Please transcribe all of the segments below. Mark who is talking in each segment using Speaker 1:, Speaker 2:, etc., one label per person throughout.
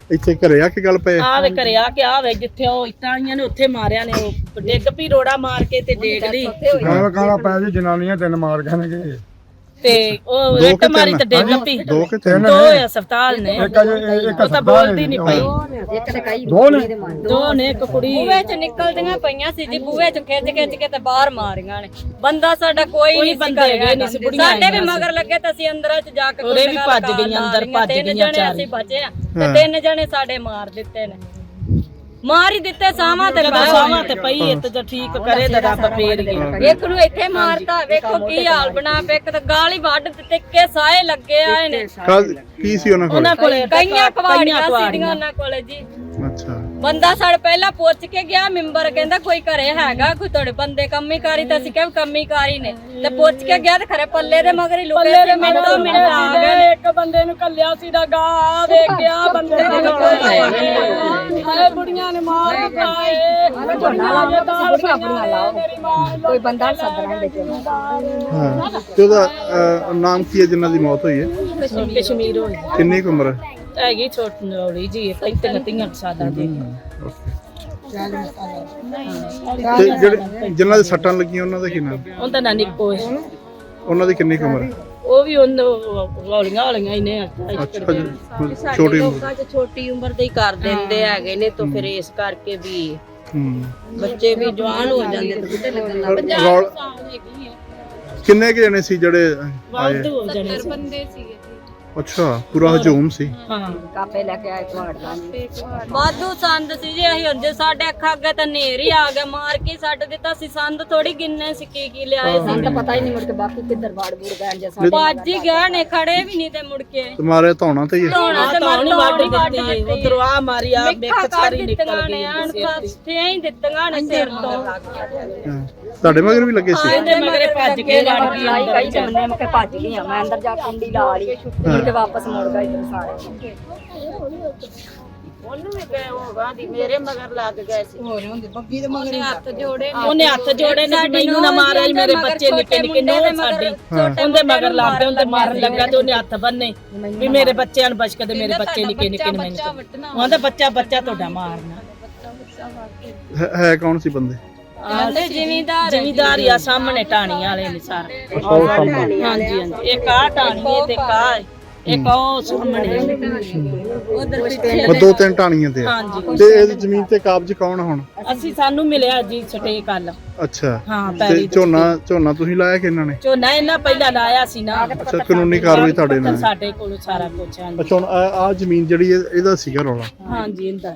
Speaker 1: ਇੱਥੇ ਘਰੇ ਆ ਕੇ ਗੱਲ ਪਏ
Speaker 2: ਆ ਵੇ ਘਰੇ ਆ ਕੇ ਆ ਵੇ ਜਿੱਥੇ ਉਹ ਇੱਟਾਂ ਆਈਆਂ ਨੇ ਉੱਥੇ ਮਾਰਿਆ ਨੇ ਉਹ ਡਿੱਗ ਪਈ ਰੋੜਾ ਮਾਰ ਕੇ ਤੇ ਡੇਗ ਲਈ
Speaker 3: ਕਾਲਾ ਪੈ ਜੀ ਜਨਾਨੀਆਂ 3 ਮਾਰ ਗਏ ਨੇ
Speaker 2: ਤੇ ਉਹ ਇੱਟ ਮਾਰੀ ਤੇ ਡਿੱਗ ਪਈ
Speaker 1: 2 ਕਿ 3
Speaker 2: ਦੋ ਹਸਪਤਾਲ ਨੇ ਉਹ ਤਾਂ ਬੋਲਦੀ ਨਹੀਂ ਪਈ ਦੋ ਨੇ ਇੱਕ ਕੁੜੀ
Speaker 4: ਬੂਹੇ ਚ ਨਿਕਲਦੀਆਂ ਪਈਆਂ ਸੀ ਜੀ ਬੂਹੇ ਚ ਖਿੱਚ ਕੇ ਤੇ ਬਾਹਰ ਮਾਰੀਆਂ ਨੇ ਬੰਦਾ ਸਾਡਾ ਕੋਈ ਨਹੀਂ
Speaker 2: ਬੰਦੇ ਹੈਗੇ ਨਹੀਂ ਸੀ ਬੁੜੀਆਂ
Speaker 4: ਸਾਡੇ ਵੀ ਮਗਰ ਲੱਗੇ ਤਾਂ ਅਸੀਂ ਅੰਦਰ ਚ ਜਾ ਕੇ
Speaker 2: ਉਹਦੇ ਵੀ ਭੱਜ ਗਈਆਂ ਅੰਦਰ ਭੱਜ ਗਈਆਂ ਚਾਰ
Speaker 4: ਅਸੀਂ ਬਚੇ ਆ ਤੇ 3 ਜਣੇ ਸਾਡੇ ਮਾਰ ਦਿੱਤੇ ਨੇ ਮਾਰ ਹੀ ਦਿੱਤੇ ਸਾਵਾਂ ਤੇ
Speaker 2: ਸਾਵਾਂ ਤੇ ਪਈ ਇੱਥੇ ਜੇ ਠੀਕ ਕਰੇ ਤਾਂ ਰੱਬ ਫੇਰ ਗਈ
Speaker 4: ਇੱਕ ਨੂੰ ਇੱਥੇ ਮਾਰਤਾ ਵੇਖੋ ਕੀ ਹਾਲ ਬਣਾ ਪਿਆ ਇੱਕ ਤਾਂ ਗਾਲੀ ਵੱਢ ਦਿੱਤੇ ਕਿ ਸਾਏ ਲੱਗੇ ਆਏ ਨੇ
Speaker 1: ਕੀ ਸੀ ਉਹਨਾਂ
Speaker 2: ਕੋਲੇ
Speaker 4: ਕਈਆਂ ਕਵਾੜੀਆਂ ਸੀਗੀਆਂ ਉਹਨਾਂ ਕੋਲੇ ਜੀ
Speaker 1: ਅੱਛਾ
Speaker 4: ਬੰਦਾ ਸਾਡੇ ਪਹਿਲਾਂ ਪੁੱਛ ਕੇ ਗਿਆ ਮੈਂਬਰ ਕਹਿੰਦਾ ਕੋਈ ਘਰੇ ਹੈਗਾ ਕੋਈ ਤੁਹਾਡੇ ਬੰਦੇ ਕੰਮੀ ਕਾਰੀ ਤਾਂ ਅਸੀਂ ਕਿਹਾ ਕੰਮੀ ਕਾਰੀ ਨੇ ਤੇ ਪੁੱਛ ਕੇ ਗਿਆ ਤੇ ਖਰੇ ਪੱਲੇ ਦੇ ਮਗਰ ਹੀ ਲੁਕੇ ਤੇ ਮਿੰਟੋ ਮਿੰਟ ਆ ਗਏ
Speaker 2: ਇੱਕ ਬੰਦੇ ਨੂੰ ਕੱਲਿਆ ਸੀ ਦਾ ਗਾ ਵੇਖ ਗਿਆ ਬੰਦੇ ਹਾਏ ਬੁੜੀਆਂ ਨੇ ਮਾਰ ਦਿੱਤਾ ਏ
Speaker 4: ਕੋਈ ਬੰਦਾ ਸੱਦਣਾ ਦੇ
Speaker 1: ਹਾਂ ਤੇ ਉਹਦਾ ਨਾਮ ਕੀ ਹੈ ਜਿਨ੍ਹਾਂ ਦੀ ਮੌਤ ਹੋਈ ਹੈ
Speaker 2: ਕਸ਼ਮੀਰ ਹੋਈ
Speaker 1: ਕਿੰਨੀ ਕੁ ਉਮਰ ਹੈ
Speaker 2: ਹੈਗੀ ਛੋਟੀ ਨੌਲੀ ਜੀ 35 ਸਾਲਾਂ ਦੀ
Speaker 1: ਤੇ ਜਿਹੜੇ ਜਿਨ੍ਹਾਂ ਦੇ ਸੱਟਾਂ ਲੱਗੀਆਂ ਉਹਨਾਂ ਦਾ ਕੀ ਨਾਮ
Speaker 2: ਉਹਦਾ ਨਾਂ ਨਿੱਕੋ ਹੈ
Speaker 1: ਉਹਨਾਂ ਦੀ ਕਿੰਨੀ ਕੁ ਉਮਰ ਹੈ
Speaker 2: ਉਹ ਵੀ ਹੌਲੀਆਂ ਹੀ ਨੇ
Speaker 1: ਅੱਛਾ ਜੀ, ਛੋਟੀ ਉਮਰ
Speaker 5: ਛੋਟੀ ਉਮਰ ਦੇ ਹੀ ਕਰ ਦਿੰਦੇ ਹੈਗੇ ਨੇ ਤਾਂ ਫਿਰ ਇਸ ਕਰਕੇ ਵੀ ਬੱਚੇ ਵੀ ਜਵਾਨ ਹੋ ਜਾਂਦੇ ਤੇ ਬੁੱਢੇ ਲੱਗਣ ਲੱਗ ਜਾਂਦੇ।
Speaker 1: ਕਿੰਨੇ ਕੁ ਜਣੇ ਸੀ ਜਿਹੜੇ ਆਏ
Speaker 2: ਵਾਧੂ ਹੋ ਜਾਣੇ ਸੀ
Speaker 5: ਬੰਦੇ ਸੀਗੇ
Speaker 1: ਅੱਛਾ ਪੂਰਾ ਹਜੂਮ ਸੀ
Speaker 2: ਹਾਂ
Speaker 4: ਕਾਪੇ ਲੈ ਕੇ ਆਏ ਕੁਹਾੜਦਾ ਵਾਧੂ ਸੰਦ ਸੀ ਜੀ ਅਸੀਂ ਹੁੰਦੇ ਸਾਡੇ ਅੱਖਾਂ ਅੱਗੇ ਤਾਂ ਨੇਰ ਹੀ ਆ ਗਿਆ ਮਾਰ ਕੇ ਛੱਡ ਦਿੱਤਾ ਸੀ ਸੰਦ ਥੋੜੀ ਗਿੰਨੇ ਸੀ ਕੀ ਲਿਆਏ ਸੀ
Speaker 5: ਤਾਂ ਪਤਾ ਹੀ ਨਹੀਂ ਮੁੜ ਕੇ ਬਾਕੀ ਕਿੱਧਰ ਬਾੜ ਬੂੜ ਗਏ ਜੇ ਸਾਡੇ
Speaker 4: ਭੱਜ ਹੀ ਗਏ ਨੇ ਖੜੇ ਵੀ ਨਹੀਂ ਤੇ ਮੁੜ ਕੇ
Speaker 1: ਤੁਹਾਰੇ ਧੌਣਾ ਤੇ ਹੀ ਹੈ
Speaker 4: ਧੋਣਾ ਤੇ
Speaker 2: ਤਾਂ ਨਹੀਂ
Speaker 4: ਮਾਰ
Speaker 2: ਵਾਢੀ ਦਿੱਤੀ ਉਧਰੋਂ ਆ ਮਾਰੀ ਆ ਮਿੱਕ ਸਾਰੀ ਨਿਕਲ ਗਈ
Speaker 4: ਅਣਖਾਂ ਹੀ ਦਿੱਤੀਆਂ ਨੇ ਸਿਰ ਤੋਂ
Speaker 1: ਹਾਂ। ਤੁਹਾਡੇ ਮਗਰ ਵੀ ਲੱਗੇ ਸੀ
Speaker 2: ਇਹਦੇ ਮਗਰੇ ਭੱਜ ਕੇ ਲੜ ਗਈ
Speaker 4: ਆਈ ਕਈ ਜਮਨੇ ਮੈਂ ਭੱਜ ਗਈ ਮੈਂ ਅੰਦਰ ਜਾ ਕੇ ਕੁੰਡੀ ਲਾ ਲਈ ਮੁੜ ਕੇ ਵਾਪਸ ਮੁੜ ਗਈ ਤੇ ਸਾਰੇ
Speaker 5: ਉਹਨੂੰ ਵੀ ਗਏ ਹੋਗਾ ਦੀ ਮੇਰੇ ਮਗਰ ਲੱਗ ਗਏ ਸੀ ਉਹਨੇ ਹੱਥ ਜੋੜੇ
Speaker 2: ਉਹਨੇ ਹੱਥ ਜੋੜੇ ਨੇ ਮੈਨੂੰ ਨਾ ਮਾਰਿਆ ਮੇਰੇ ਬੱਚੇ ਨਿੱਕੇ ਨਿੱਕੇ ਨੋ ਸਾਡੀ ਉਹਦੇ ਮਗਰ ਲੱਗ ਗਏ ਉਹਦੇ ਮਾਰਨ ਲੱਗਾ ਤੇ ਉਹਨੇ ਹੱਥ ਬੰਨੇ ਵੀ ਮੇਰੇ ਬੱਚਿਆਂ ਨੂੰ ਬਚਕੇ ਤੇ ਮੇਰੇ ਬੱਚੇ ਨਿੱਕੇ ਨਿੱਕੇ ਨੇ ਮੈਨੂੰ ਉਹਦਾ ਬੱਚਾ ਤੁਹਾਡਾ ਮਾਰਨਾ
Speaker 1: ਹੈ ਕੌਣ ਸੀ ਬੰਦੇ
Speaker 4: ਆਂਦੇ
Speaker 2: ਜ਼ਿਮੀਦਾਰ ਆ ਸਾਹਮਣੇ ਟਾਣੀ ਵਾਲੇ ਨੇ ਸਾਰੇ ਹਾਂਜੀ ਹਾਂਜੀ ਇੱਕ ਆ ਟਾਣੀ ਤੇ ਕਾ ਇੱਕ ਉਹ ਸਾਹਮਣੇ
Speaker 4: ਉਧਰ ਪਿੱਛੇ
Speaker 1: ਉਹ 2-3 ਟਾਣੀਆਂ ਤੇ ਆ।
Speaker 2: ਹਾਂਜੀ
Speaker 1: ਤੇ ਇਹ ਜ਼ਮੀਨ ਤੇ ਕਾਬਜ ਕੌਣ ਹੁਣ
Speaker 2: ਅਸੀਂ ਸਾਨੂੰ ਮਿਲਿਆ ਜੀ ਛਟੇ ਕੱਲ
Speaker 1: ਅੱਛਾ
Speaker 2: ਹਾਂ
Speaker 1: ਤੇ
Speaker 2: ਪੈਰੀ
Speaker 1: ਝੋਨਾ ਤੁਸੀਂ ਲਾਇਆ ਕਿ ਇਹਨਾਂ ਨੇ
Speaker 2: ਝੋਨਾ ਇਹਨਾਂ ਪਹਿਲਾਂ ਲਾਇਆ ਸੀ ਨਾ
Speaker 1: ਅੱਛਾ ਕਾਨੂੰਨੀ ਕਾਰਵਾਈ ਤੁਹਾਡੇ ਨਾਲ ਹੈ।
Speaker 2: ਸਾਡੇ ਕੋਲ ਸਾਰਾ ਕੁਝ ਹਾਂਜੀ
Speaker 1: ਅੱਛਾ ਹੁਣ ਆ ਜ਼ਮੀਨ ਜਿਹੜੀ ਇਹਦਾ ਸੀਗਾ ਰੌਲਾ
Speaker 2: ਹਾਂਜੀ ਇਹਦਾ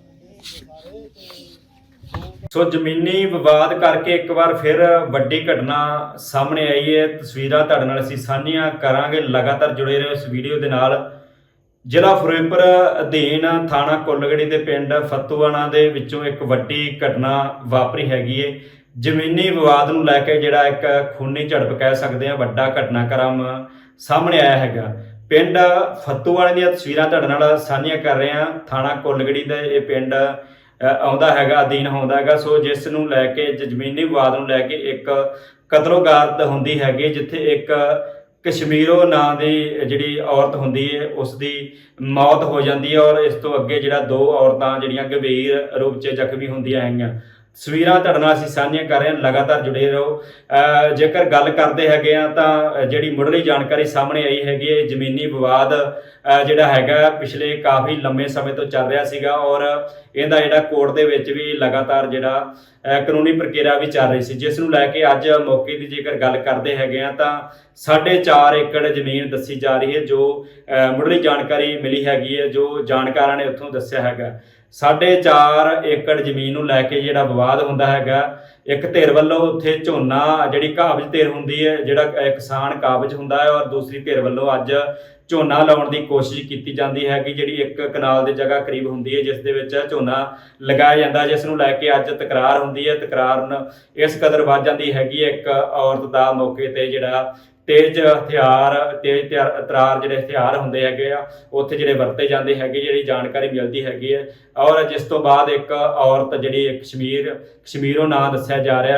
Speaker 6: ਸੋ ਜ਼ਮੀਨੀ ਵਿਵਾਦ ਕਰਕੇ ਇੱਕ ਵਾਰ ਫਿਰ ਵੱਡੀ ਘਟਨਾ ਸਾਹਮਣੇ ਆਈ ਹੈ। ਤਸਵੀਰਾਂ ਤੁਹਾਡੇ ਨਾਲ ਅਸੀਂ ਸਾਂਝੀਆਂ ਕਰਾਂਗੇ, ਲਗਾਤਾਰ ਜੁੜੇ ਰਹੋ ਇਸ ਵੀਡੀਓ ਦੇ ਨਾਲ। ਜ਼ਿਲ੍ਹਾ ਫਿਰੋਜ਼ਪੁਰ ਅਧੀਨ ਥਾਣਾ ਕੁੱਲਗੜੀ ਦੇ ਪਿੰਡ ਫੱਤੂਆਣਾ ਦੇ ਵਿੱਚੋਂ ਇੱਕ ਵੱਡੀ ਘਟਨਾ ਵਾਪਰੀ ਹੈਗੀ ਹੈ। ਜ਼ਮੀਨੀ ਵਿਵਾਦ ਨੂੰ ਲੈ ਕੇ ਜਿਹੜਾ ਇੱਕ ਖੂਨੀ ਝੜਪ ਕਹਿ ਸਕਦੇ ਹਾਂ, ਵੱਡਾ ਘਟਨਾਕ੍ਰਮ ਸਾਹਮਣੇ ਆਇਆ ਹੈਗਾ। ਪਿੰਡ ਫੱਤੂਆਣੇ ਦੀਆਂ ਤਸਵੀਰਾਂ ਤੁਹਾਡੇ ਨਾਲ ਸਾਂਝੀਆਂ ਕਰ ਰਹੇ ਹਾਂ। ਥਾਣਾ ਕੁੱਲਗੜੀ ਦਾ ਇਹ ਪਿੰਡ ਆਉਂਦਾ ਹੈਗਾ, ਅਧੀਨ ਆਉਂਦਾ ਹੈਗਾ। ਸੋ ਜਿਸ ਨੂੰ ਲੈ ਕੇ ਜ਼ਮੀਨੀ ਵਿਵਾਦ ਨੂੰ ਲੈ ਕੇ ਇੱਕ ਕਤਲੋਗਾਰਤ ਹੁੰਦੀ ਹੈਗੀ, ਜਿੱਥੇ ਇੱਕ ਕਸ਼ਮੀਰੋ ਨਾਂ ਦੀ ਜਿਹੜੀ ਔਰਤ ਹੁੰਦੀ ਹੈ ਉਸ ਦੀ ਮੌਤ ਹੋ ਜਾਂਦੀ ਹੈ ਔਰ ਇਸ ਤੋਂ ਅੱਗੇ ਜਿਹੜਾ 2 ਔਰਤਾਂ ਜਿਹੜੀਆਂ ਗੰਭੀਰ ਰੂਪ 'ਚ ਜ਼ਖਮੀ ਹੁੰਦੀਆਂ ਹੈਗੀਆਂ। ਤਸਵੀਰਾਂ ਤੁਹਾਡੇ ਨਾਲ ਅਸੀਂ ਸਾਂਝੀਆਂ ਕਰ ਰਹੇ ਹਾਂ, ਲਗਾਤਾਰ ਜੁੜੇ ਰਹੋ। ਜੇਕਰ ਗੱਲ ਕਰਦੇ ਹੈਗੇ ਆ ਤਾਂ ਜਿਹੜੀ ਮੁੱਢਲੀ ਜਾਣਕਾਰੀ ਸਾਹਮਣੇ ਆਈ ਹੈਗੀ ਹੈ, ਜ਼ਮੀਨੀ ਵਿਵਾਦ ਜਿਹੜਾ ਹੈਗਾ ਪਿਛਲੇ ਕਾਫੀ ਲੰਮੇ ਸਮੇਂ ਤੋਂ ਚੱਲ ਰਿਹਾ ਸੀਗਾ ਔਰ ਇਹਦਾ ਜਿਹੜਾ ਕੋਰਟ ਦੇ ਵਿੱਚ ਵੀ ਲਗਾਤਾਰ ਜਿਹੜਾ ਕਾਨੂੰਨੀ ਪ੍ਰਕਿਰਿਆ ਵੀ ਚੱਲ ਰਹੀ ਸੀ, ਜਿਸ ਨੂੰ ਲੈ ਕੇ ਅੱਜ ਮੌਕੇ ਦੀ ਜੇਕਰ ਗੱਲ ਕਰਦੇ ਹੈਗੇ ਆ ਤਾਂ 4.5 ਏਕੜ ਜ਼ਮੀਨ ਦੱਸੀ ਜਾ ਰਹੀ ਹੈ। ਜੋ ਮੁੱਢਲੀ ਜਾਣਕਾਰੀ ਮਿਲੀ ਹੈਗੀ ਹੈ, ਜੋ ਜਾਣਕਾਰਾਂ ਨੇ ਉੱਥੋਂ ਦੱਸਿਆ ਹੈਗਾ 4.5 ਏਕੜ ਜ਼ਮੀਨ ਨੂੰ ਲੈ ਕੇ ਜਿਹੜਾ ਵਿਵਾਦ ਹੁੰਦਾ ਹੈਗਾ। ਇੱਕ ਧਿਰ ਵੱਲੋਂ ਉੱਥੇ ਝੋਨਾ ਜਿਹੜੀ ਕਾਬਜ਼ ਧਿਰ ਹੁੰਦੀ ਹੈ, ਜਿਹੜਾ ਕਿਸਾਨ ਕਾਬਜ਼ ਹੁੰਦਾ ਹੈ, ਔਰ ਦੂਸਰੀ ਧਿਰ ਵੱਲੋਂ ਅੱਜ ਝੋਨਾ ਲਾਉਣ ਦੀ ਕੋਸ਼ਿਸ਼ ਕੀਤੀ ਜਾਂਦੀ ਹੈ ਕਿ ਜਿਹੜੀ 1 ਕਨਾਲ ਦੀ ਜਗ੍ਹਾ ਕਰੀਬ ਹੁੰਦੀ ਹੈ ਜਿਸ ਦੇ ਵਿੱਚ ਝੋਨਾ ਲਗਾਇਆ ਜਾਂਦਾ, ਜਿਸ ਨੂੰ ਲੈ ਕੇ ਅੱਜ ਤਕਰਾਰ ਹੁੰਦੀ ਹੈ। ਤਕਰਾਰ ਇਸ ਕਦਰ ਵੱਧ ਜਾਂਦੀ ਹੈਗੀ ਇੱਕ ਔਰਤ ਦਾ ਮੌਕੇ ਤੇ ਜਿਹੜਾ ਤੇਜ਼ ਤਰਾਰ ਜਿਹੜੇ ਹਥਿਆਰ ਹੁੰਦੇ ਹੈਗੇ ਆ ਉੱਥੇ ਜਿਹੜੇ ਵਰਤੇ ਜਾਂਦੇ ਹੈਗੇ, ਜਿਹੜੀ ਜਾਣਕਾਰੀ ਮਿਲਦੀ ਹੈਗੀ ਹੈ। ਔਰ ਜਿਸ ਤੋਂ ਬਾਅਦ ਇੱਕ ਔਰਤ ਜਿਹੜੀ ਕਸ਼ਮੀਰੋਂ ਨਾਂ ਦੱਸਿਆ ਜਾ ਰਿਹਾ,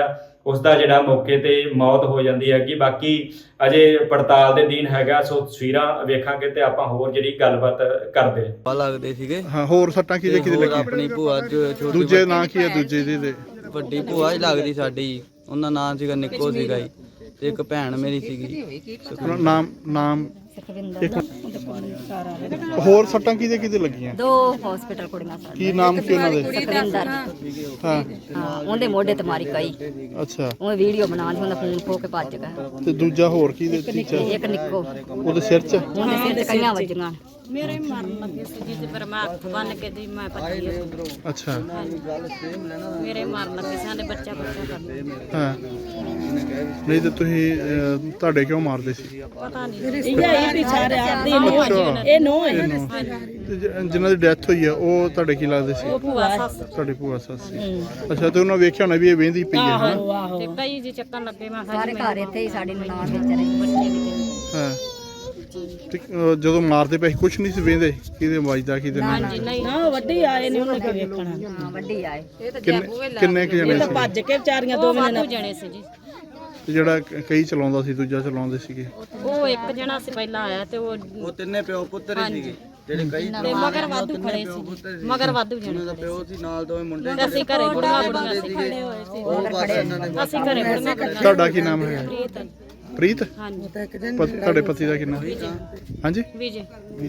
Speaker 6: ਉਸ ਦਾ ਜਿਹੜਾ ਮੌਕੇ ਤੇ ਮੌਤ ਹੋ ਜਾਂਦੀ ਹੈਗੀ। ਬਾਕੀ ਅਜੇ ਪੜਤਾਲ ਦੇ ਦਿਨ ਹੈਗਾ, ਸੋ ਤਸਵੀਰਾਂ ਵੇਖਾਂਗੇ ਤੇ ਆਪਾਂ ਹੋਰ ਜਿਹੜੀ ਗੱਲਬਾਤ ਕਰਦੇ ਹਾਂ।
Speaker 7: ਲੱਗਦੇ ਸੀਗੇ
Speaker 1: ਹਾਂ, ਹੋਰ ਸੱਟਾਂ ਕਿਹਦੇ ਕਿਹਦੇ ਲੱਗੀਆਂ?
Speaker 7: ਆਪਣੀ ਭੂਆ ਛੋਟੀ
Speaker 1: ਦੂਜੇ ਨਾਂ ਕੀ ਹੈ ਦੂਜੇ ਦੇ?
Speaker 7: ਵੱਡੀ ਭੂਆ ਹੀ ਲੱਗਦੀ ਸਾਡੀ, ਉਹਨਾਂ ਨਾਂ ਸੀਗਾ ਨਿੱਕੋ ਸੀਗਾ ਜੀ, ਤੇ ਇੱਕ ਭੈਣ ਮੇਰੀ ਸੀਗੀ।
Speaker 1: ਨਾਮ ਇੱਕ ਹੋਰ ਸੱਟਾਂ ਕਿਹਦੇ ਕਿਹਦੇ ਲੱਗੀਆਂ?
Speaker 8: 2 ਹਸਪੀਟਲ ਕੁੜੀਆਂ ਸਾਡੇ।
Speaker 1: ਕੀ ਨਾਮ ਕੀ ਉਹਨਾਂ ਦੇ?
Speaker 8: ਸੁਖਵਿੰਦਰ।
Speaker 1: ਹਾਂ
Speaker 8: ਹਾਂ, ਉਹਦੇ ਮੋਢੇ ਤੇ ਮਾਰੀ ਕਈ।
Speaker 1: ਅੱਛਾ,
Speaker 8: ਉਹ ਵੀਡੀਓ ਬਣਾ ਲਈ, ਉਹਦਾ ਫੋਨ ਖੋ ਕੇ ਭੱਜ ਗਿਆ।
Speaker 1: ਤੇ ਦੂਜਾ ਹੋਰ ਕਿਹਦੇ? ਤੀਜਾ
Speaker 8: ਇੱਕ ਨਿੱਕੋ,
Speaker 1: ਉਹਦੇ ਸਿਰ 'ਚ?
Speaker 8: ਉਹਦੇ ਸਿਰ ਤੇ ਕਈਆਂ ਵੱਜੀਆਂ।
Speaker 4: ਮੇਰੇ ਮਾਰਨ ਲੱਗੇ ਸੀ ਜੀ, ਤੇ ਫਿਰ ਮੈਂ ਹੱਥ ਬੰਨ ਕੇ ਦੀ ਮੈਂ ਭੱਜੀ ਉਧਰੋਂ।
Speaker 1: ਅੱਛਾ,
Speaker 4: ਮੇਰੇ ਮਾਰਨ ਲੱਗੇ ਸੀ, ਸਾਡੇ ਬੱਚਾ ਕਰਦੇ।
Speaker 1: ਹਾਂ। ਨਹੀਂ ਤੇ ਤੁਸੀਂ ਤੁਹਾਡੇ ਕਿਉਂ ਮਾਰਦੇ ਸੀ?
Speaker 4: ਪਤਾ ਨਹੀਂ
Speaker 2: ਇਹ ਵੀ ਸਾਰੇ ਆਦੀ ਇਹ ਨੋ ਹੈ।
Speaker 1: ਤੇ ਜਿਨ੍ਹਾਂ ਦੀ ਡੈਥ ਹੋਈ ਆ ਉਹ ਤੁਹਾਡੇ ਕੀ ਲੱਗਦੇ ਸੀ?
Speaker 4: ਭੂਆ ਸੱਸ
Speaker 1: ਤੁਹਾਡੀ ਭੂਆ ਸੱਸ ਸੀ। ਅੱਛਾ, ਤੇ ਉਹਨਾਂ ਵੇਖਿਆ ਹੋਣਾ ਵੀ ਇਹ ਵਹਿੰਦੀ ਪਈ ਹੈ ਨਾ?
Speaker 4: ਤੇ ਕਈ ਜੀ ਚੱਕਣ ਲੱਗੇ। ਮੈਂ
Speaker 8: ਸਾਰੇ ਘਰ ਇੱਥੇ ਹੀ ਸਾਡੇ ਨਨਾਣ ਵਿੱਚ ਰਹੇ ਬੱਚੇ ਵੀ।
Speaker 1: ਹਾਂ, ਤੇ ਜਦੋਂ ਮਾਰਦੇ ਪਏ ਕੁਛ ਨਹੀਂ ਸੀ ਵੇਂਦੇ ਕਿਹਦੇ ਵੱਜਦਾ ਕਿਹਦੇ ਨਾਲ?
Speaker 4: ਨਹੀਂ
Speaker 2: ਨਾ ਵੱਡੀ ਆਏ ਨੇ ਉਹਨੇ ਕੀ ਵੇਖਣਾ।
Speaker 8: ਹਾਂ, ਵੱਡੀ ਆਏ।
Speaker 1: ਕਿੰਨੇ ਕੁ ਜਣੇ
Speaker 2: ਇਹ ਤਾਂ
Speaker 1: ਸੀ?
Speaker 2: ਭੱਜ ਕੇ ਵਿਚਾਰੀਆਂ ਦੋਵੇਂ
Speaker 4: ਵਾਧੂ ਜਣੇ ਸੀ ਜੀ।
Speaker 1: ਤੇ ਜਿਹੜਾ ਕਈ ਚਲਾਉਂਦਾ ਸੀ ਦੂਜਾ ਚਲਾਉਂਦੇ ਸੀਗੇ?
Speaker 4: ਉਹ ਇੱਕ ਜਣਾ ਸੀ ਪਹਿਲਾਂ ਆਇਆ, ਤੇ ਉਹ
Speaker 7: ਤਿੰਨੇ ਪਿਓ ਪੁੱਤਰ ਹੀ ਸੀਗੇ ਜਿਹੜੇ ਕਈ
Speaker 4: ਤੇ ਮਗਰ ਵਾਧੂ ਖੜੇ ਸੀ, ਮਗਰ ਵਾਧੂ ਜਣੇ ਖੜੇ
Speaker 7: ਪਿਓ ਸੀ ਨਾਲ ਦੋਵੇਂ ਮੁੰਡੇ
Speaker 4: ਸੀ। ਅਸੀਂ ਘਰੇ ਬੁੜੀਆਂ ਸੀ ਖੜੇ ਹੋਏ ਸੀ।
Speaker 7: ਉਹ ਬਸ ਇਹਨਾਂ ਨੇ
Speaker 4: ਅਸੀਂ ਘਰੇ ਬੁੜੀਆਂ ਖੜੇ
Speaker 1: ਤੁਹਾਡਾ ਕੀ ਨਾਮ ਹੈ? ਪ੍ਰੀਤ?
Speaker 4: ਹਾਂਜੀ
Speaker 1: ਤੁਹਾਡੇ ਪਤੀ ਦਾ ਕੀ ਨਾਮ? ਹਾਂਜੀ,
Speaker 4: ਵਿਜੇ।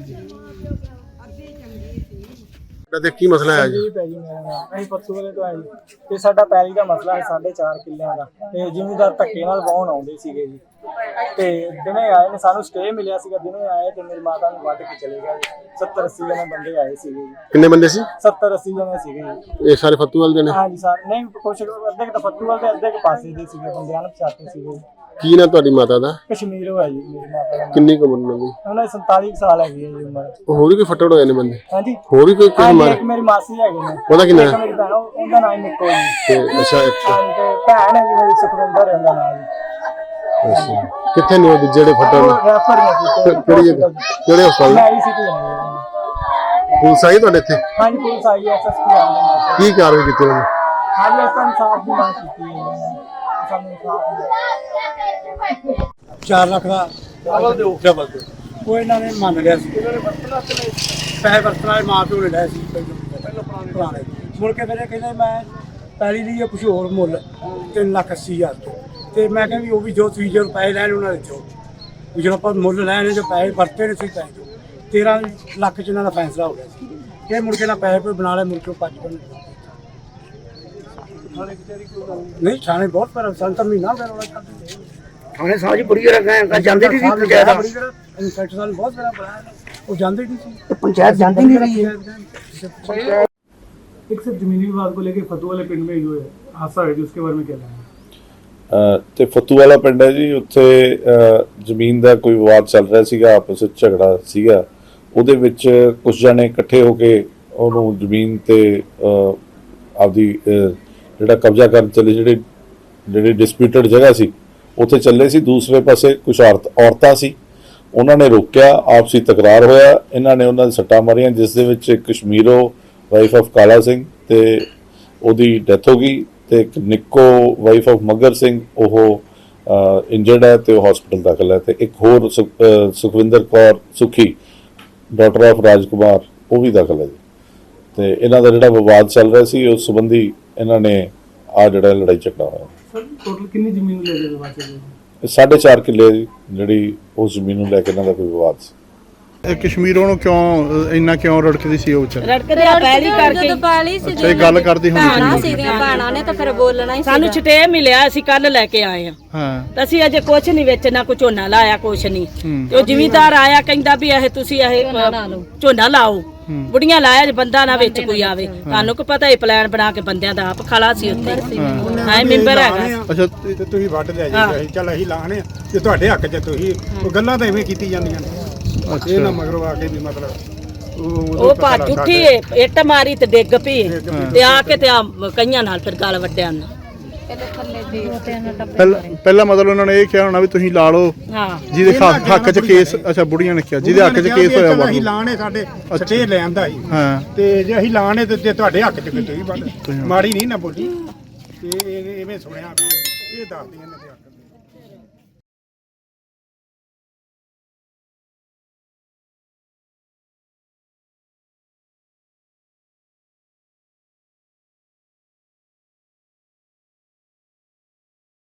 Speaker 1: ਤੇ ਕੀ ਮਸਲਾ ਹੈ ਜੀ?
Speaker 9: ਅਸੀਂ ਪਰਸੋਂ ਵੇਲੇ ਤੋਂ ਆਏ ਜੀ। ਤੇ ਸਾਡਾ ਪੈਲੀ ਦਾ ਮਸਲਾ ਹੈ 4.5 ਕਿੱਲਿਆਂ ਦਾ, ਤੇ ਜ਼ਿਮੀਂਦਾਰ ਧੱਕੇ ਨਾਲ ਵਾਹੁਣ ਆਉਂਦੇ ਸੀਗੇ ਜੀ। ਤੇ ਦਿਨੇ ਆਏ ਨੇ, ਸਾਨੂੰ ਸਟੇ ਮਿਲਿਆ ਸੀਗਾ, ਦਿਨੇ ਆਏ ਤੇ ਮੇਰੀ ਮਾਤਾ ਨੂੰ ਵੱਢ ਕੇ ਚਲੇ ਗਏ ਜੀ। 70-80 ਜਣੇ ਬੰਦੇ ਆਏ ਸੀਗੇ ਜੀ।
Speaker 1: ਕਿੰਨੇ ਬੰਦੇ ਸੀ?
Speaker 9: 70-80 ਜਣੇ ਸੀਗੇ ਜੀ।
Speaker 1: ਇਹ ਸਾਰੇ ਫੱਤੂਵਾਲ ਦੇ ਨੇ?
Speaker 9: ਹਾਂਜੀ ਸਰ, ਨਹੀਂ ਕੁਛ ਅੱਧੇ ਕੁ ਤਾਂ ਫੱਤੂਵਾਲ ਦੇ, ਅੱਧੇ ਕੁ ਪਾਸੇ ਦੇ ਸੀਗੇ ਬੰਦੇ, ਅਣਪਛਾਤੇ ਸੀਗੇ ਜੀ।
Speaker 1: ਕੀ ਨਾ ਤੁਹਾਡੀ ਮਾਤਾ ਦਾ?
Speaker 9: ਕਸ਼ਮੀਰ ਹੋਇਆ ਜੀ ਮੇਰੀ ਮਾਤਾ ਦਾ।
Speaker 1: ਕਿੰਨੀ ਕੁ ਉਮਰ ਹੋਣੀ?
Speaker 9: ਉਹਨਾਂ ਦੀ 47 ਸਾਲ ਹੈਗੀ ਹੈ ਜੀ ਉਮਰ।
Speaker 1: ਹੋਰ ਵੀ ਕੋਈ ਫੱਟੜ ਹੋਏ ਨੇ ਬੰਦੇ?
Speaker 9: ਹਾਂਜੀ,
Speaker 1: ਹੋਰ ਵੀ ਕੋਈ
Speaker 9: ਹਾਂਜੀ, ਇੱਕ ਮੇਰੀ ਮਾਸੀ ਹੈਗੇ ਨੇ।
Speaker 1: ਉਹਦਾ ਕੀ ਨਾਮ?
Speaker 9: ਇੱਕ ਮੇਰੀ ਭੈਣ, ਉਹਦਾ ਨਾਮ ਨਿੱਕੋ ਜੀ।
Speaker 1: ਤੇ ਅੱਛਾ,
Speaker 9: ਹਾਂਜੀ, ਤੇ ਭੈਣ ਹੈ ਜੀ ਮੇਰੀ ਸੁਖਵਿੰਦਰ, ਉਹਦਾ ਨਾਮ ਜੀ।
Speaker 1: ਅੱਛਾ, ਕਿੱਥੇ ਨੇ ਉਹ ਜਿਹੜੇ ਫੱਟੜ ਨੇ?
Speaker 9: ਉਹ ਰੈਫਰ ਨੇ ਜੀ।
Speaker 1: ਕਿਹੜੀ ਜਗ੍ਹਾ? ਕਿਹੜੇ ਹਸਪਤਾਲ?
Speaker 9: ਮੈਂ ਆਈ ਸੀ ਤੇ
Speaker 1: ਪੁਲਿਸ ਆਈ ਤੁਹਾਡੇ ਇੱਥੇ?
Speaker 9: ਹਾਂਜੀ, ਪੁਲਿਸ ਆਈ ਹੈ, ਐਸਐਸਪੀ ਆ ਗਏ।
Speaker 1: ਕੀ ਕਾਰਵਾਈ ਕੀਤੀ ਉਹਨੇ?
Speaker 9: ਹਾਂਜੀ, ਇਸ ਤਰ੍ਹਾਂ ਇਨਸਾਫ ਦੀ ਮੰਗ ਕੀਤੀ ਹੈ। ਸਾਨੂੰ ਇਨਸਾਫ ਮਿਲੇ।
Speaker 3: 4 ਲੱਖ ਦਾ ਡਬਲ ਦੇ ਉਹ ਇਹਨਾਂ ਨੇ ਮੰਨ ਲਿਆ ਸੀ। ਇਹਨਾਂ ਨੇ ਪੈਸੇ ਵਰਤਣ ਵਾਲੇ ਮਾਂ ਪਿਓ ਨੇ ਲਏ ਸੀ ਪਹਿਲਾਂ ਪੁਰਾਣੇ। ਮੁੜ ਕੇ ਫਿਰ ਇਹ ਕਹਿੰਦੇ ਮੈਂ ਪੈਲੀ ਲਈ ਕੁਝ ਹੋਰ ਮੁੱਲ 3,80,000 ਤੇ ਮੈਂ ਕਿਹਾ ਵੀ ਉਹ ਵੀ ਜੋ ਤੁਸੀਂ ਜੋ ਪੈਸੇ ਲੈਣ ਉਹਨਾਂ ਦੇ ਦਿਓ, ਵੀ ਜਦੋਂ ਆਪਾਂ ਮੁੱਲ ਲੈਣੇ ਜੋ ਪੈਸੇ ਵਰਤੇ ਨੇ ਤੁਸੀਂ ਪੈਸੇ ਦਿਓ। 13 ਲੱਖ 'ਚ ਇਹਨਾਂ ਦਾ ਫੈਸਲਾ ਹੋ ਗਿਆ ਸੀ। ਇਹ ਮੁੜ ਕੇ ਨਾ ਪੈਸੇ ਕੋਈ ਬਣਾ ਲਏ, ਮੁੜ ਕੇ 5 ਬਣ ਨਹੀਂ। ਥਾਣੇ ਬਹੁਤ ਪਰ ਸੰਤਰ ਮਹੀਨਾ ਫਿਰ ਉਹਨਾਂ ਥਾਣੇ ਸਾਜੀ ਬੁੜੀ ਰੱਖਿਆ ਜਾਂਦੇ ਨਹੀਂ ਸੀ। ਪੰਚਾਇਤ ਇਨਸਪੈਕਟਰ ਸਾਹਿਬ ਬਹੁਤ ਬੜਾ ਬਣਾਇਆ, ਉਹ ਜਾਂਦੇ ਨਹੀਂ ਸੀ। ਪੰਚਾਇਤ ਜਾਂਦੀ नहीं रही है।
Speaker 9: एक सिर्फ जमीनी विवाद को लेकर फतू वाले पिंड में जो है हादसा है, उसके बारे में क्या कहना है?
Speaker 10: ਤੇ ਫੱਤੂ ਵਾਲਾ ਪਿੰਡ ਹੈ ਜੀ, ਉੱਥੇ ਜ਼ਮੀਨ ਦਾ ਕੋਈ ਵਿਵਾਦ ਚੱਲ ਰਿਹਾ ਸੀਗਾ, ਆਪਸ ਵਿੱਚ ਝਗੜਾ ਸੀਗਾ। ਉਹਦੇ ਵਿੱਚ ਕੁਝ ਜਣੇ ਇਕੱਠੇ ਹੋ ਕੇ ਉਹਨੂੰ ਜ਼ਮੀਨ ਤੇ ਆਪਦੀ ਜਿਹੜਾ ਕਬਜ਼ਾ ਕਰਨ ਚੱਲੇ, ਜਿਹੜੀ ਡਿਸਪਿਊਟਡ ਜਗ੍ਹਾ ਸੀ ਉੱਥੇ ਚੱਲੇ ਸੀ। ਦੂਸਰੇ ਪਾਸੇ ਕੁਝ ਔਰਤਾਂ ਸੀ, ਉਹਨਾਂ ਨੇ ਰੋਕਿਆ, ਆਪਸੀ ਤਕਰਾਰ ਹੋਇਆ, ਇਹਨਾਂ ਨੇ ਉਹਨਾਂ ਦੇ ਸੱਟਾਂ ਮਾਰੀਆਂ, ਜਿਸ ਦੇ ਵਿੱਚ ਕਸ਼ਮੀਰੋ ਵਾਈਫ ਆਫ ਕਾਲਾ ਸਿੰਘ ਤੇ ਉਹਦੀ ਡੈਥ ਹੋ ਗਈ, ਤੇ ਇੱਕ ਨਿੱਕੋ ਵਾਈਫ ਆਫ ਮਗਰ ਸਿੰਘ ਉਹ ਇੰਜਰਡ ਹੈ ਤੇ ਉਹ ਹਸਪੀਟਲ ਦਾਖਲ ਹੈ, ਤੇ ਇੱਕ ਹੋਰ ਸੁਖਵਿੰਦਰ ਕੌਰ ਸੁਖੀ ਡਾਟਰ ਆਫ ਰਾਜਕੁਮਾਰ ਉਹ ਵੀ ਦਾਖਲ ਹੈ ਜੀ। ਤੇ ਇਹਨਾਂ ਦਾ ਜਿਹੜਾ ਵਿਵਾਦ ਚੱਲ ਰਿਹਾ ਸੀ ਉਸ ਸੰਬੰਧੀ ਇਹਨਾਂ ਨੇ ਆ ਜਿਹੜਾ ਲੜਾਈ ਝਗੜਾ ਹੋਇਆ।
Speaker 9: सर टोटल कितनी जमीन ले रहे विवाद चल रही है?
Speaker 10: 4.5 ਕਿੱਲੇ ਜਿਹੜੀ ਉਸ ਜ਼ਮੀਨ ਨੂੰ ਲੈ ਕੇ ਇਹਨਾਂ ਦਾ ਕੋਈ ਵਿਵਾਦ ਸੀ।
Speaker 1: ਕਸ਼ਮੀਰੋਂ ਨੂੰ ਕਿਉਂ ਇੰਨਾ ਕਿਉਂ ਰੜਕਦੀ ਸੀ ਉਹ ਵਿਚਾਰ?
Speaker 2: ਰੜਕਦੇ ਆ ਪਹਿਲੀ ਕਰਕੇ।
Speaker 4: ਜਦੋਂ ਪੈਲੀ ਸੀ
Speaker 1: ਇਹ ਗੱਲ ਕਰਦੀ ਹੁੰਦੀ
Speaker 4: ਭੈਣਾਂ
Speaker 1: ਸੀ।
Speaker 4: ਸੀਗੀਆਂ, ਭੈਣਾਂ ਨੇ ਤਾਂ ਫਿਰ ਬੋਲਣਾ ਹੀ
Speaker 2: ਸਾਨੂੰ ਛਟੇ ਮਿਲਿਆ, ਅਸੀਂ ਕੱਲ ਲੈ ਕੇ ਆਏ ਆ।
Speaker 1: ਹਾਂ,
Speaker 2: ਤਾਂ ਅਸੀਂ ਅਜੇ ਕੁਛ ਨਹੀਂ ਵੇਚਣਾ, ਕੋਈ ਝੋਨਾ ਲਾਇਆ ਕੁਛ ਨਹੀਂ। ਤੇ ਉਹ ਜ਼ਿਮੀਂਦਾਰ ਆਇਆ ਕਹਿੰਦਾ ਵੀ ਇਹ ਤੁਸੀਂ ਇਹ ਝੋਨਾ ਲਾਓ, ਬੁੜੀਆਂ ਲਾਇਆ ਜੇ ਬੰਦਾ ਨਾ ਵਿੱਚ ਕੋਈ ਆਵੇ। ਤੁਹਾਨੂੰ ਕੀ ਪਤਾ ਇਹ ਪਲਾਨ ਬਣਾ ਕੇ ਬੰਦਿਆਂ ਦਾ ਆਪ ਖਲਾ ਸੀ ਉੱਥੇ। ਹਾਂ, ਮੈਂਬਰ ਹੈਗਾ।
Speaker 1: ਅੱਛਾ,
Speaker 3: ਤੇ ਤੁਸੀਂ ਵੱਢ ਲਿਆ ਜੀ, ਚੱਲ ਅਸੀਂ ਲਾਣੇ ਜੇ ਤੁਹਾਡੇ ਹੱਕ 'ਚ ਤੁਸੀਂ ਉਹ ਗੱਲਾਂ ਤਾਂ ਐਵੇਂ ਕੀਤੀ ਜਾਂਦੀਆਂ ਨੇ। ਇਹ ਨਾ ਮਗਰੋਂ ਆ ਕੇ ਵੀ ਮਤਲਬ
Speaker 2: ਉਹ ਭੱਜ ਉੱਠੀ, ਇੱਟ ਮਾਰੀ ਤੇ ਡਿੱਗ ਪਈ, ਤੇ ਆ ਕੇ ਤੇ ਆ ਕਈਆਂ ਨਾਲ ਫਿਰ ਗਲ ਵੱਡਿਆ ਨਾ।
Speaker 1: ਪਹਿਲਾਂ ਮਤਲਬ ਉਹਨਾਂ ਨੇ ਇਹ ਕਿਹਾ ਹੋਣਾ ਵੀ ਤੁਸੀਂ ਲਾ ਲਓ
Speaker 2: ਹਾਂ,
Speaker 1: ਜਿਹਦੇ ਹੱਕ 'ਚ ਕੇਸ। ਅੱਛਾ, ਬੁੜੀਆਂ ਨੇ ਕਿਹਾ ਜਿਹਦੇ ਹੱਕ 'ਚ ਕੇਸ ਹੋਇਆ ਵੱਢ
Speaker 3: ਅਸੀਂ
Speaker 1: ਲਓ।
Speaker 3: ਲਾਣੇ ਸਾਡੇ ਸਟੇ ਲੈਂਦਾ ਸੀ।
Speaker 1: ਹਾਂ,
Speaker 3: ਤੇ ਜੇ ਅਸੀਂ ਲਾਣੇ ਤੇ ਜੇ ਤੁਹਾਡੇ ਹੱਕ 'ਚ ਫਿਰ ਤੁਸੀਂ ਵੱਢ। ਮਾੜੀ ਨਹੀਂ ਨਾ ਬੋਲੀ ਤੇ ਐਵੇਂ ਸੁਣਿਆ ਵੀ
Speaker 11: ਇਹ ਦੱਸਦੀਆਂ ਨੇ